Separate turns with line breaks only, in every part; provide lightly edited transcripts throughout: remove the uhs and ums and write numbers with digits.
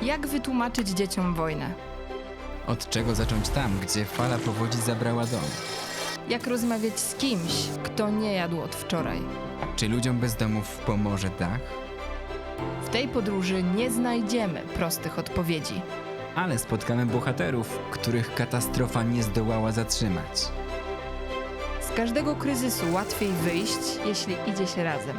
Jak wytłumaczyć dzieciom wojnę?
Od czego zacząć tam, gdzie fala powodzi zabrała dom?
Jak rozmawiać z kimś, kto nie jadł od wczoraj?
Czy ludziom bez domów pomoże dach?
W tej podróży nie znajdziemy prostych odpowiedzi.
Ale spotkamy bohaterów, których katastrofa nie zdołała zatrzymać.
Z każdego kryzysu łatwiej wyjść, jeśli idzie się razem.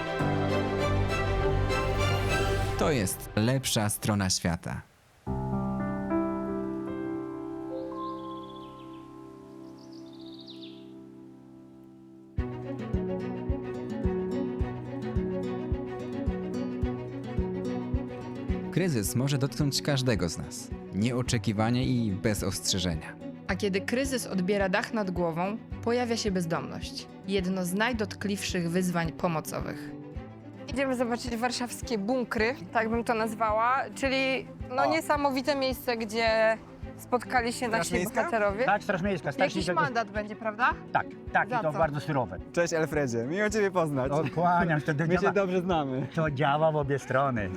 To jest lepsza strona świata. Kryzys może dotknąć każdego z nas. Nieoczekiwanie i bez ostrzeżenia.
A kiedy kryzys odbiera dach nad głową, pojawia się bezdomność. Jedno z najdotkliwszych wyzwań pomocowych.
Idziemy zobaczyć warszawskie bunkry, tak bym to nazwała, czyli niesamowite miejsce, gdzie spotkali się nasi
Miejska?
bohaterowie.
Tak, Straż Miejska.
Jakiś mandat będzie, prawda?
Tak, tak,
Za
i to
co?
bardzo surowe.
Cześć Alfredzie, miło Ciebie poznać.
Kłaniam się,
My się dobrze znamy.
to działa w obie strony.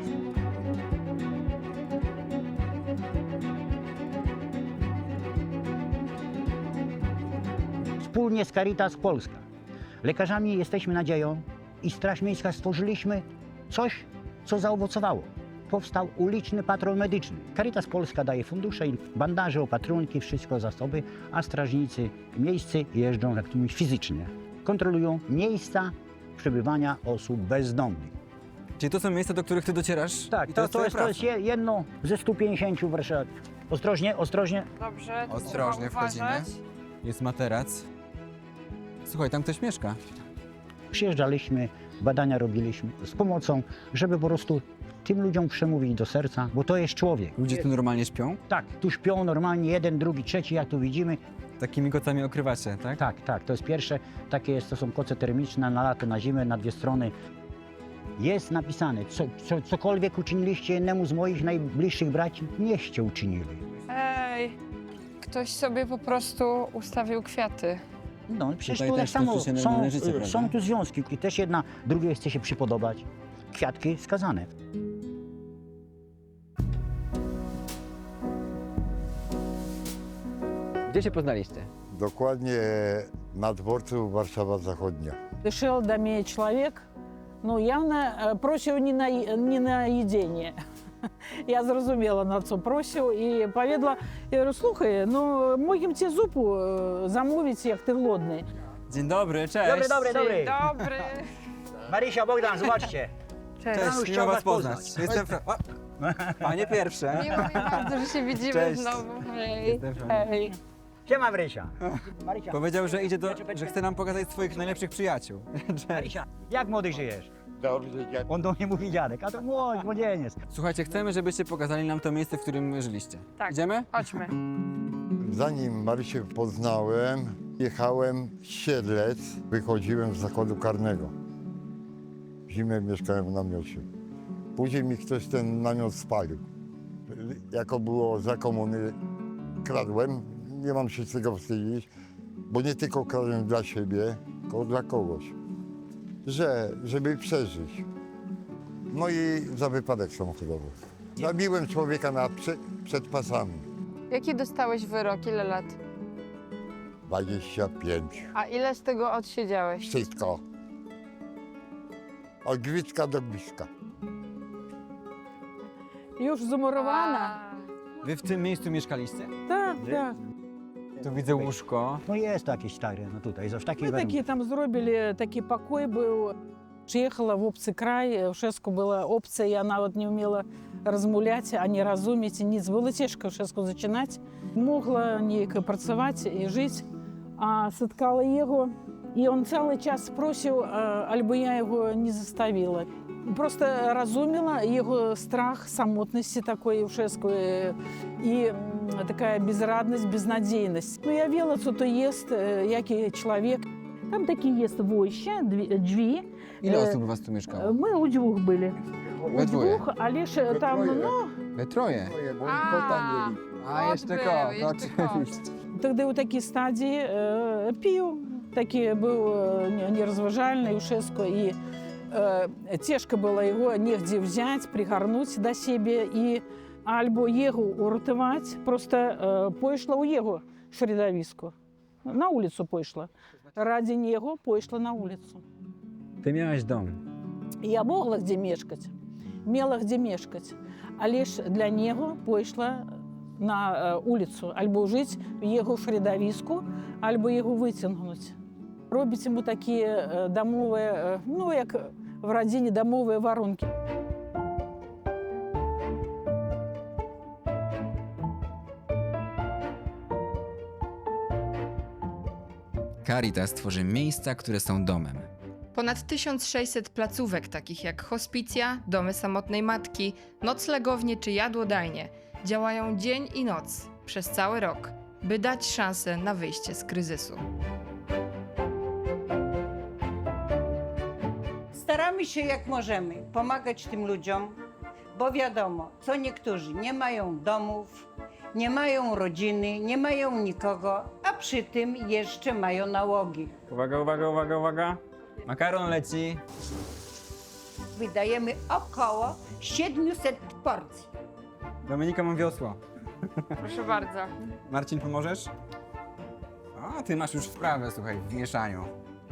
Wspólnie z Caritas Polska, lekarzami jesteśmy nadzieją i Straż Miejska stworzyliśmy coś, co zaowocowało. Powstał uliczny patrol medyczny. Caritas Polska daje fundusze, bandaże, opatrunki, wszystko zasoby, a strażnicy miejscy jeżdżą jak to mówić fizycznie. Kontrolują miejsca przebywania osób bezdomnych.
Czyli to są miejsca, do których Ty docierasz?
Tak,
I
to
twoja
jest
praca?
jedno ze 150 w Warszawie. Ostrożnie, ostrożnie.
Dobrze, to
Ostrożnie
trzeba uważać.
wchodzimy. Jest materac. Słuchaj, tam ktoś mieszka.
Przyjeżdżaliśmy, badania robiliśmy z pomocą, żeby po prostu tym ludziom przemówić do serca, bo to jest człowiek.
Ludzie tu normalnie śpią?
Tak, tu śpią normalnie jeden, drugi, trzeci, jak tu widzimy.
Takimi kocami okrywacie, tak?
Tak, tak, to jest pierwsze, takie jest, to są koce termiczne na lato, na zimę, na dwie strony. Jest napisane, cokolwiek uczyniliście jednemu z moich najbliższych braci, nieście uczynili.
Ej, ktoś sobie po prostu ustawił kwiaty.
No, przecież
Tutaj
tu tak
też
samo
toczy się normalne życie, prawda?
są tu związki i też jedna drugiej chce się przypodobać. Kwiatki skazane.
Gdzie się poznaliście?
Dokładnie na dworcu Warszawa Zachodnia.
Решил до меня человек, ну, явно просив не на їдіння. Я зрозуміла, на що просив, і повідала, я говорю, слухай, ну, можемо ці зупу замовити, як ти голодний.
Dzień dobry, cześć.
Dobry.
Dobry.
Marysia, Bogdan, zobaczcie.
Cześć.
Janusz
Cześć,
chciał
miło
was
was poznać.
poznać.
Jestem Panie pierwsze.
Miło mi bardzo, że się widzimy
Cześć.
znowu. Hej.
Jestem Frank.
Hej.
Siema, Marysia. Marysia,
Powiedział, że idzie że chce nam pokazać swoich najlepszych przyjaciół. Cześć.
Marysia, jak młody żyjesz?
Dobrze, jak
On do mnie mówi dziadek, a to młodzieniec.
Słuchajcie, chcemy, żebyście pokazali nam to miejsce, w którym żyliście.
Tak.
Idziemy?
Chodźmy.
zanim Marysię poznałem, jechałem z Siedlec, wychodziłem z zakładu karnego. W zimę mieszkałem w namiocie. Później mi ktoś ten namiot spalił. Jako było za komuny, kradłem, nie mam się z tego wstydzić, bo nie tylko kradłem dla siebie, tylko dla kogoś. Żeby przeżyć. No i za wypadek samochodowy. Zabiłem człowieka przed pasami.
Jaki dostałeś wyrok? Ile lat?
25.
A ile z tego odsiedziałeś?
Wszystko. Od Gwicka do Gwizdka.
Już zamurowana.
Wy w tym miejscu mieszkaliście?
Так, так.
Tu widzę łóżko.
No jest to jakieś stare, no tutaj, w takich
Ми такі там зробили, такий покой був. Приїхала в опцій край, у Шеску була опція, я навіть не вміла розмовляти, ані розуміти, ніц. Було тяжко в Шеску починати. Могла ніяк працювати і жити, а спіткала його. І він цілий час просив, або я його не заставила. Просто розуміла його страх самотності такої в Шеску і така безрадність, безнадійність. Ну, я віла, що то є, який чоловік. Там такі є войща, дві.
Ile osób u was tu mieszkało?
Ми у двох були.
We
У
dwoje.
двох, але ж там,
dwoje.
ну,
We troje. A jeszcze
Odbył,
kot,
jeszcze
oczywiście.
тоді у такій стадії пів, такий був нерозважальний у Шеску, і тяжко було його нігде взяти, пригорнути до себе, і Albo jego uratować, просто пошла у jego środowisko. Na ulicę poszła. Ради niego poszła na ulicę.
Ty miałaś dom.
Я могла где mieszkać, miała gdzie mieszkać, ale dla niego poszła na ulicę, albo żyć w jego środowisku, albo jego wyciągnąć. Robić mu takie domowe, no jak w rodzinie domowe warunki.
Caritas tworzy miejsca, które są domem.
Ponad 1600 placówek, takich jak hospicja, domy samotnej matki, noclegownie czy jadłodajnie, działają dzień i noc przez cały rok, by dać szansę na wyjście z kryzysu.
Staramy się jak możemy pomagać tym ludziom, bo wiadomo, co niektórzy nie mają domów, nie mają rodziny, nie mają nikogo, a przy tym jeszcze mają nałogi.
Uwaga, uwaga, uwaga, uwaga. Makaron leci.
Wydajemy około 700 porcji.
Dominika, mam wiosło.
Proszę bardzo.
Marcin, pomożesz? A, ty masz już wprawę, słuchaj, w mieszaniu.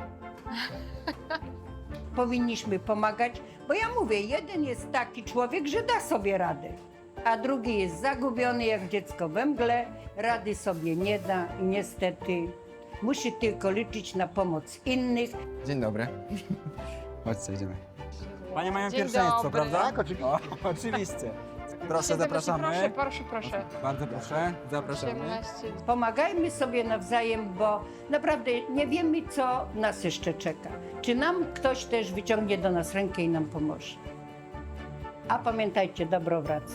Powinniśmy pomagać, bo ja mówię, jeden jest taki człowiek, że da sobie radę, a drugi jest zagubiony jak dziecko we mgle, rady sobie nie da i niestety musi tylko liczyć na pomoc innych.
Dzień dobry. Chodźcie, idziemy. Panie mają
Dzień
pierwszeństwo,
dobry.
prawda?
Tak, oczywiście.
O, oczywiście. Proszę, zapraszamy.
Proszę.
Bardzo proszę, zapraszamy.
Pomagajmy sobie nawzajem, bo naprawdę nie wiemy, co nas jeszcze czeka. Czy nam ktoś też wyciągnie do nas rękę i nam pomoże. A pamiętajcie, dobro wraca.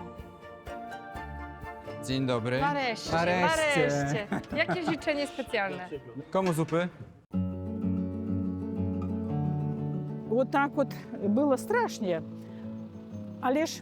Dzień dobry.
Nareszcie,
Nareszcie.
nareszcie. Jakie życzenie specjalne?
Komu zupy?
Вот так от було страшно. Але ж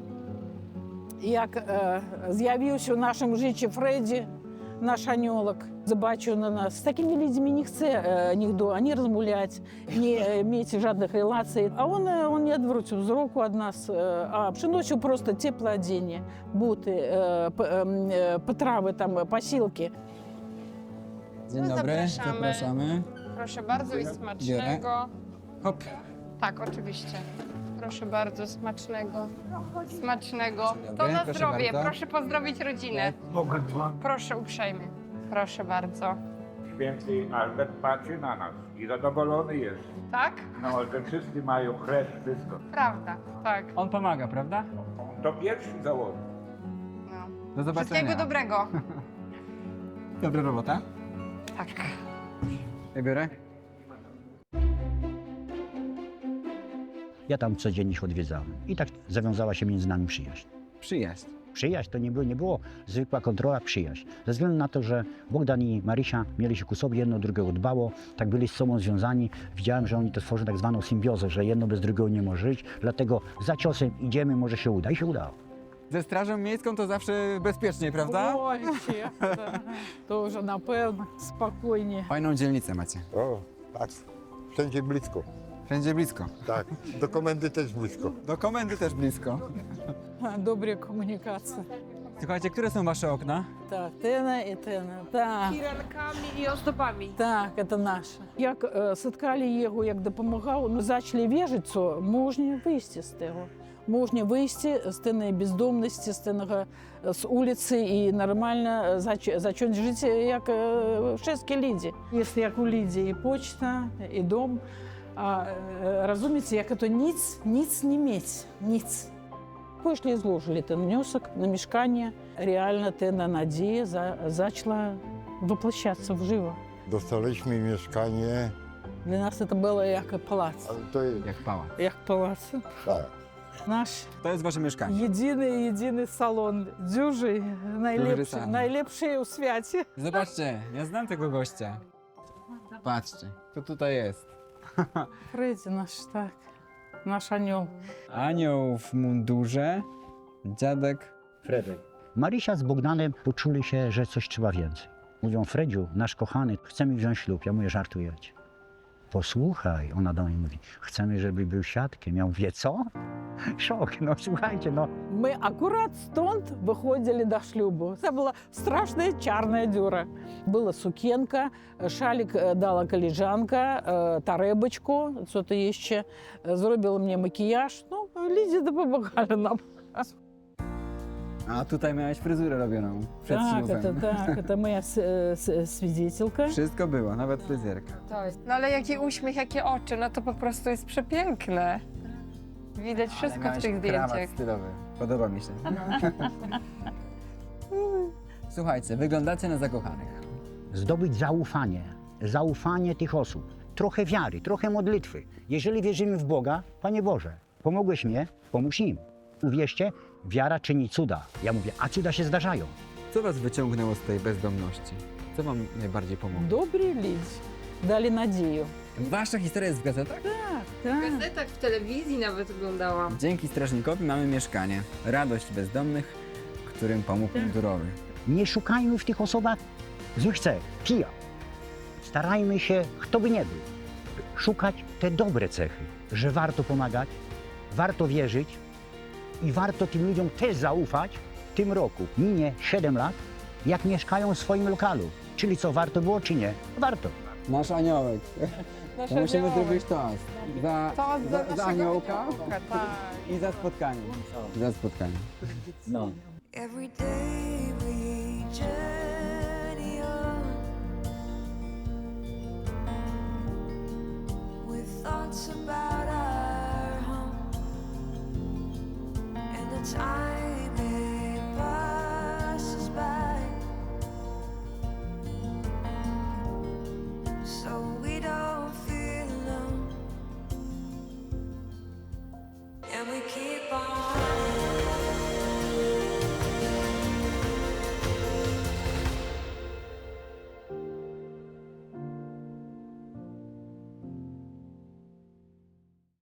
як з'явився в нашому житті Фредді, наш аньолок, побачив на нас, з такими людьми не хоче ніхто ані розмовляти, ні мати жодних релацій. А він не відвертів зроку від нас, а приносив просто теплоодіння, бути, потрави, там, посілки.
Dzień
No,
dobry,
zapraszamy.
zapraszamy.
Proszę bardzo i smacznego.
Hop.
Tak, oczywiście. Proszę bardzo, smacznego. Smacznego.
Dzień
To
dobry,
na
proszę
zdrowie.
bardzo.
Proszę pozdrowić rodzinę. Proszę uprzejmie. Proszę bardzo.
Święty Albert patrzy na nas i zadowolony jest.
Tak?
No, że wszyscy mają chleb, wszystko.
Prawda, tak.
On pomaga, prawda?
To pierwszy założył.
No.
Do zobaczenia.
Wszystkiego dobrego.
Dobra robota.
Tak.
Ja biorę.
Ja tam codziennie ich odwiedzałem. I tak zawiązała się między nami przyjaźń.
Przyjaźń.
Przyjaźń to nie było zwykła kontrola, przyjaźń. Ze względu na to, że Bogdan i Marysia mieli się ku sobie, jedno drugiego dbało, tak byli z sobą związani. Widziałem, że oni to tworzą tak zwaną symbiozę, że jedno bez drugiego nie może żyć, dlatego za ciosem idziemy, może się uda. I się udało.
Ze strażą miejską to zawsze bezpiecznie, prawda?
Ой, ще, да. То вже, напевно, спокійні.
Fajną dzielnicę macie.
O, tak. Wszędzie blisko.
Wszędzie blisko.
Tak. Do komendy też blisko.
Do komendy też blisko.
Добрі комунікації.
Słuchajcie, które są wasze okna?
Так, тена і тена. Так.
Firankami i ozdobami.
Так, це наше. Як садкали його, як допомагав, ну, почали віжити, можна вийти з того. Можна вийти з тієї бездомності, з вулиці і нормально почати жити, як всі люди. Є як у Лідії і почта, і дом. А розумієте, як це ніц не мати, ніц. Пішли і зложили ten внесок на мешкання. Реально тена надія почала воплощатися вживо.
Dostaliśmy mieszkanie,
Для нас це було як палац.
ale to jest,
Jak pałac.
Як палац.
tak.
Наш
To jest wasze mieszkanie.
єдиний салон. Дюжий,
салон.
найлепший у світі.
Zobaczcie, ja znam tego gościa. Patrzcie, kto tutaj jest.
Фредді наш, так. Наш аньол.
Anioł w mundurze, dziadek.
Fredek. Marysia z Bogdanem poczuli się, że coś trzeba więcej. Mówią, Fredziu, nasz kochany, chcemy wziąć ślub. Ja mówię, żartujecie. Posłuchaj, ona do mnie mówi, chcemy, żeby był świadkiem. Ja mówię, co? szok, no słuchajcie, no.
Мы аккурат стąd выходили до шлюбу. Это была страшная чарная дюра. Была сукенка, шалик дала колежанка, таребочку, что-то еще. Зробила мне макияж. Ну, люди допомагали нам.
A tutaj miałeś fryzurę robioną przed ślubem.
Это моя свидетелька.
Wszystko było, nawet fryzjerka.
No ale jaki uśmiech, jakie oczy, no to po prostu jest przepiękne. Widać wszystko w tych
Krawat
zdjęciach.
stylowy. Podoba mi się. Słuchajcie, wyglądacie na zakochanych.
Zdobyć zaufanie tych osób. Trochę wiary, trochę modlitwy. Jeżeli wierzymy w Boga, Panie Boże, pomogłeś mnie, pomóż im. Uwierzcie, wiara czyni cuda. Ja mówię, a cuda się zdarzają.
Co was wyciągnęło z tej bezdomności? Co wam najbardziej pomogło?
Добрые люди дали надею.
Wasza historia jest w gazetach?
W gazetach, w telewizji nawet oglądałam.
Dzięki strażnikowi mamy mieszkanie. Radość bezdomnych, którym pomógł mundurowy.
Nie szukajmy w tych osobach złych cech, kija. Starajmy się, kto by nie był, szukać te dobre cechy, że warto pomagać, warto wierzyć i warto tym ludziom też zaufać. W tym roku minie 7 lat, jak mieszkają w swoim lokalu. Czyli co, warto było czy nie? Warto.
Nasz aniołek. To musimy zrobić toast. Za aniołka i za spotkanie. Za spotkanie. No.
Every day we journey on with thoughts about our home and the time